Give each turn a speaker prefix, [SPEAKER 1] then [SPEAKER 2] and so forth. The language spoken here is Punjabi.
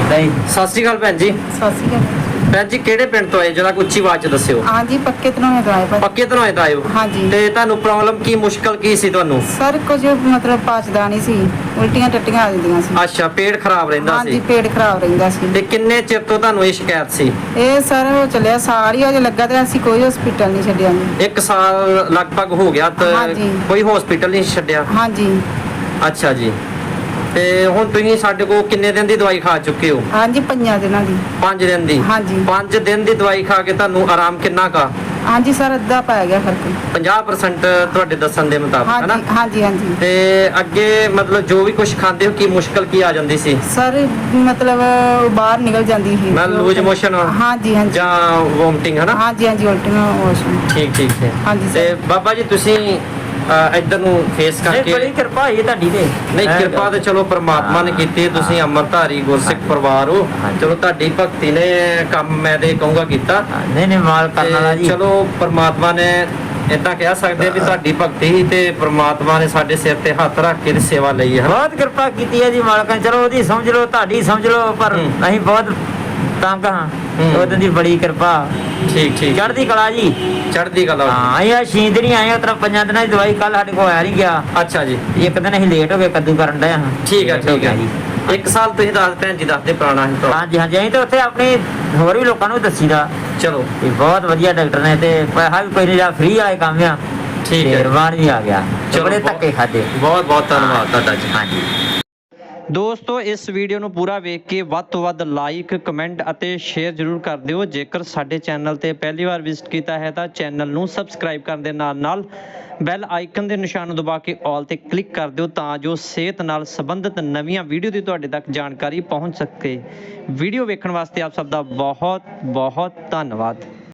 [SPEAKER 1] ਨਹੀਂ
[SPEAKER 2] ਸਤਿ ਸ਼੍ਰੀ ਅਕਾਲ ਭੈਣ ਜੀ।
[SPEAKER 3] ਸਤਿ ਸ਼੍ਰੀ ਅਕਾਲ।
[SPEAKER 2] ਭੈਣ ਜੀ ਕਿਹੜੇ ਪਿੰਡ ਤੋਂ ਆਏ, ਜਰਾ ਉੱਚੀ ਆਵਾਜ਼ 'ਚ ਦੱਸਿਓ।
[SPEAKER 3] ਹਾਂਜੀ ਪੱਕੇ ਤਨੋਂ ਤੋਂ ਆਏ ਭਾਜੀ।
[SPEAKER 2] ਪੱਕੇ ਤੋਂ ਆਏ ਤਾਂ ਆਇਓ।
[SPEAKER 3] ਹਾਂਜੀ।
[SPEAKER 2] ਤੇ ਤੁਹਾਨੂੰ ਪ੍ਰੋਬਲਮ ਕੀ, ਮੁਸ਼ਕਲ ਕੀ ਸੀ ਤੁਹਾਨੂੰ?
[SPEAKER 3] ਸਰ ਕੁਝ ਮਤਲਬ ਪਚਦਾ ਨਹੀਂ ਸੀ, ਉਲਟੀਆਂ ਟੱਟੀਆਂ ਆ ਜਾਂਦੀਆਂ ਸੀ।
[SPEAKER 2] ਅੱਛਾ, ਪੇਟ ਖਰਾਬ ਰਹਿੰਦਾ
[SPEAKER 3] ਹਾਂਜੀ
[SPEAKER 2] ਸੀ।
[SPEAKER 3] ਪੇਟ ਖਰਾਬ ਰਹਿੰਦਾ ਸੀ।
[SPEAKER 2] ਤੇ ਕਿੰਨੇ ਚਿਰ ਤੋਂ ਤੁਹਾਨੂੰ ਇਹ ਸ਼ਿਕਾਇਤ ਸੀ?
[SPEAKER 3] ਇਹ ਸਰ ਹੋ ਚੱਲਿਆ ਸਾਲ ਹੀ ਅਜੇ ਲੱਗਾ ਤੇ ਅਸੀਂ ਕੋਈ ਹਸਪੀਟਲ ਨਹੀਂ ਛੱਡਿਆ ਜੀ।
[SPEAKER 2] 1 ਸਾਲ ਲਗਭਗ ਹੋ ਗਿਆ ਤੇ
[SPEAKER 3] ਹਾਂਜੀ।
[SPEAKER 2] ਕੋਈ ਹਸਪੀਟਲ ਨਹੀਂ ਛੱਡਿਆ?
[SPEAKER 3] ਹਾਂਜੀ
[SPEAKER 2] ਅੱਛਾ ਜੀ। ਤੇ ਹੁਣ ਤੁਸੀਂ ਸਾਡੇ ਕੋਲ ਕਿੰਨੇ ਦਿਨ ਦੀ ਦਵਾਈ ਖਾ ਚੁੱਕੇ ਹੋ?
[SPEAKER 3] ਹਾਂਜੀ 5 ਦਿਨਾਂ ਦੀ।
[SPEAKER 2] 5 ਦਿਨ ਦੀ?
[SPEAKER 3] ਹਾਂਜੀ।
[SPEAKER 2] 5 ਦਿਨ ਦੀ ਦਵਾਈ ਖਾ ਕੇ ਤੁਹਾਨੂੰ ਆਰਾਮ ਕਿੰਨਾ ਕਾ?
[SPEAKER 3] ਹਾਂਜੀ ਸਰ ਅੱਧਾ ਪੈ ਗਿਆ ਫਰਕ।
[SPEAKER 2] 50% ਤੁਹਾਡੇ ਦੱਸਣ ਦੇ ਮੁਤਾਬਕ, ਹੈ ਨਾ?
[SPEAKER 3] ਹਾਂਜੀ ਹਾਂਜੀ ਹਾਂਜੀ।
[SPEAKER 2] ਤੇ ਅੱਗੇ ਮਤਲਬ ਜੋ ਵੀ ਕੁਝ ਖਾਂਦੇ ਹੋ, ਕੀ ਮੁਸ਼ਕਲ ਕੀ ਆ ਜਾਂਦੀ ਸੀ?
[SPEAKER 3] ਸਰ ਮਤਲਬ ਬਾਹਰ ਨਿਕਲ ਜਾਂਦੀ ਸੀ।
[SPEAKER 2] ਮੈਂ ਲੂਜ ਮੋਸ਼ਨ
[SPEAKER 3] ਹਾਂਜੀ ਹਾਂਜੀ।
[SPEAKER 2] ਜਾਂ ਵੋਮਟਿੰਗ, ਹੈ ਨਾ?
[SPEAKER 3] ਹਾਂਜੀ ਹਾਂਜੀ ਉਲਟੀਆਂ ਵਾਸ਼ਰੂਮ।
[SPEAKER 2] ਠੀਕ ਠੀਕ ਹੈ।
[SPEAKER 3] ਹਾਂਜੀ
[SPEAKER 2] ਤੇ
[SPEAKER 3] ਸਰ।
[SPEAKER 2] ਬਾਬਾ ਜੀ ਤੁਸੀਂ ਇੱਧਰ ਨੂੰ ਫੇਸ ਕਰਕੇ।
[SPEAKER 1] ਬੜੀ ਕਿਰਪਾ ਹੋਈ ਤੁਹਾਡੀ ਤੇ।
[SPEAKER 2] ਨਹੀਂ, ਕਿਰਪਾ ਤੇ ਚਲੋ ਪ੍ਰਮਾਤਮਾ ਨੇ ਕੀਤੀ। ਤੁਸੀਂ ਅੰਮ੍ਰਿਤਧਾਰੀ ਗੁਰਸਿੱਖ ਪਰਿਵਾਰ ਹੋ, ਚਲੋ ਤੁਹਾਡੀ ਭਗਤੀ ਨੇ ਕੰਮ ਮੈਂ ਤੇ ਕਹੂੰਗਾ ਕੀਤਾ।
[SPEAKER 1] ਨਹੀਂ ਨਹੀਂ ਮਾਲ ਕਰਨ ਵਾਲਾ
[SPEAKER 2] ਤੇ
[SPEAKER 1] ਜੀ।
[SPEAKER 2] ਚਲੋ ਪ੍ਰਮਾਤਮਾ ਨੇ ਇਦਾਂ ਕਹਿ ਸਕਦੇ ਆ ਵੀ ਤੁਹਾਡੀ ਭਗਤੀ ਹੀ ਤੇ ਪ੍ਰਮਾਤਮਾ ਨੇ ਸਾਡੇ ਸਿਰ ਤੇ ਹੱਥ ਰੱਖ ਕੇ ਦੀ ਸੇਵਾ ਲਈ ਹੈ।
[SPEAKER 1] ਬਹੁਤ ਕਿਰਪਾ ਕੀਤੀ ਹੈ ਜੀ ਮਾਲਕਾਂ ਨੇ। ਚਲੋ ਉਹਦੀ ਸਮਝ ਲਓ, ਤੁਹਾਡੀ ਸਮਝ ਲਓ, ਪਰ ਅਸੀਂ ਬਹੁਤ ਤੰਗ ਹਾਂ। ਉਹਦੀ ਦੀ ਬੜੀ ਕਿਰਪਾ।
[SPEAKER 2] ਠੀਕ ਠੀਕ।
[SPEAKER 1] ਚੜ੍ਹਦੀ ਕਲਾ ਜੀ।
[SPEAKER 2] ਚੜ੍ਹਦੀ ਕਲਾ।
[SPEAKER 1] ਹਾਂ ਇਹ ਸ਼ੀਂਦ ਨਹੀਂ ਆਏ ਉਤਰਾ 5 ਦਿਨਾਂ ਦੀ ਦਵਾਈ ਕੱਲ ਸਾਡੇ ਕੋਲ ਆਇਆ ਨਹੀਂ ਗਿਆ।
[SPEAKER 2] ਅੱਛਾ ਜੀ।
[SPEAKER 1] ਇੱਕ ਦਿਨ ਅਸੀਂ ਲੇਟ ਹੋ ਗਏ ਕੱਦੂ ਕਰਨ ਡਏ ਹਾਂ।
[SPEAKER 2] ਠੀਕ ਹੈ ਠੀਕ ਹੈ
[SPEAKER 1] ਜੀ।
[SPEAKER 2] 1 ਸਾਲ ਤੁਸੀਂ ਦੱਸ ਭੈਣ ਜੀ ਦੱਸਦੇ ਪੁਰਾਣਾ ਹੀ ਤਾਂ।
[SPEAKER 1] ਹਾਂਜੀ ਹਾਂਜੀ ਅਸੀਂ ਤਾਂ ਉੱਥੇ ਆਪਣੀ ਹੋਰ ਵੀ ਲੋਕਾਂ ਨੂੰ ਦੱਸੀਦਾ
[SPEAKER 2] ਚਲੋ
[SPEAKER 1] ਵੀ ਬਹੁਤ ਵਧੀਆ ਡਾਕਟਰ ਨੇ ਤੇ ਪੈਸਾ ਵੀ ਕੋਈ ਨਹੀਂ ਲਿਆ, ਫ੍ਰੀ ਵਾਲੇ ਕੰਮ ਆ।
[SPEAKER 2] ਠੀਕ ਹੈ।
[SPEAKER 1] ਰਵਾਨ ਵੀ ਆ ਗਿਆ।
[SPEAKER 2] ਚਲੋ,
[SPEAKER 1] ਬੜੇ ਧੱਕੇ ਖਾਦੇ।
[SPEAKER 2] ਬਹੁਤ ਬਹੁਤ ਧੰਨਵਾਦ ਤੁਹਾਡਾ ਜੀ।
[SPEAKER 1] ਹਾਂਜੀ।
[SPEAKER 2] ਦੋਸਤੋ ਇਸ ਵੀਡੀਓ ਨੂੰ ਪੂਰਾ ਵੇਖ ਕੇ ਵੱਧ ਤੋਂ ਵੱਧ ਲਾਈਕ, ਕਮੈਂਟ ਅਤੇ ਸ਼ੇਅਰ ਜ਼ਰੂਰ ਕਰ ਦਿਓ। ਜੇਕਰ ਸਾਡੇ ਚੈਨਲ ਤੇ ਪਹਿਲੀ ਵਾਰ ਵਿਜ਼ਿਟ ਕੀਤਾ ਹੈ ਤਾਂ ਚੈਨਲ ਨੂੰ ਸਬਸਕ੍ਰਾਈਬ ਕਰਨ ਦੇ ਨਾਲ ਨਾਲ ਬੈਲ ਆਈਕਨ ਦੇ ਨਿਸ਼ਾਨ ਨੂੰ ਦਬਾ ਕੇ ਆਲ ਤੇ ਕਲਿੱਕ ਕਰ ਦਿਓ ਤਾਂ ਜੋ ਸਿਹਤ ਨਾਲ ਸੰਬੰਧਿਤ ਨਵੀਆਂ ਵੀਡੀਓ ਦੀ ਤੁਹਾਡੇ ਤੱਕ ਜਾਣਕਾਰੀ ਪਹੁੰਚ ਸਕੇ। ਵੀਡੀਓ ਵੇਖਣ ਵਾਸਤੇ ਆਪ ਸਭ ਦਾ ਬਹੁਤ ਬਹੁਤ ਧੰਨਵਾਦ।